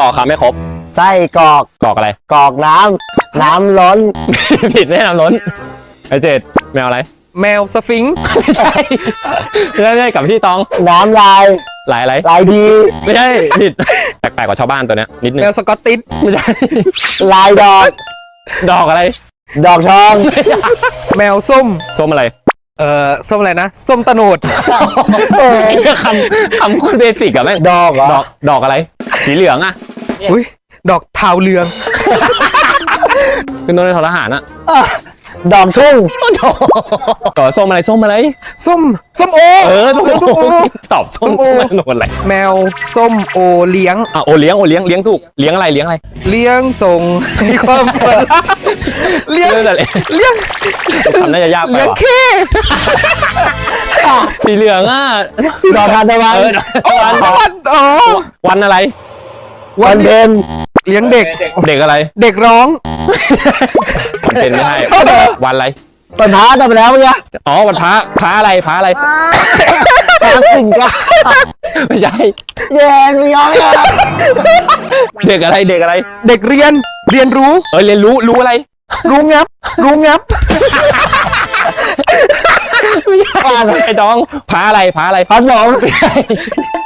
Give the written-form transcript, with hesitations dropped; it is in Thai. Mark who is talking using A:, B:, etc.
A: ต่อคำไม่ครบ
B: ไส้กรอก
A: กรอกอะไร
B: กรอกน้ำล้น
A: ผิดแน่นอนล้นไอเจ็ดแมวอะไร
C: แมวสฟิงค์
A: ไม่ใช่ไม่ใช่กับที่ตอง
B: น้ำลาย
A: หลายอะไร
B: ลายดี
A: ไม่ใช่ผิดแปลกๆกว่าชาวบ้านตัวเนี้ยนิดนึง
C: แมวสกอตติช
A: ไม่ใช่
B: ลายดอก
A: ดอกอะไร
B: ดอกทอง
C: แมวส้ม
A: ส้มอะไร
C: ส้มอะไรนะส้มตะโนด
A: ไอ้เหี้ยคำโคนเบสิกอะแม่ง
B: ดอกเหรอ
A: ดอกอะไร สีเหลืองอะ
C: อุ้ยดอกเทาเรือง
A: ขึ้นต้นด้วยทอทหารอะ
B: ดอกทุ่ง
A: ต่อส้มอะไรส้มอะไร
C: ส้มโอ
A: ส้ม
C: โอ
A: ตอบส้ม
C: ส้มโอ
A: โนนอะไร
C: แมวส้มโอเลี้ยง
A: อ่ะโอเลี้ยงถูกเลี้ยงอะไรเลี้ยงอะไร
C: เลี้ยงส่งให้ความเปิดเลี้ยง
A: เรื่องอะไร
C: เลี้ยง
A: ทำน่าจะยากไป
C: เลี้ยง
A: ว่ะ
C: เข้
A: สีเหลืองอะ
B: ดอกทานตะวัน
A: วัน
C: อ๋อ
A: วันอะไร
B: วันเพ็ญ
C: เลี้ยงเด็ก
A: เด็กอะไร
C: เด็กร้อง
A: วันเป็นไม่ให้วันอะไร
B: ปัญหาทำไปแล้วเมื่อกี้
A: อ๋อวันพระอะไร
B: ตามสิ่งกัน
A: ไม่ใช่
B: แย่ไม่ยอมเลย
A: เด็กอะไร
C: เด็กเรียนรู้
A: เรียนรู้อะไร
C: รู้งับ
A: ไอ้น้องพระอะไร
B: พันสอง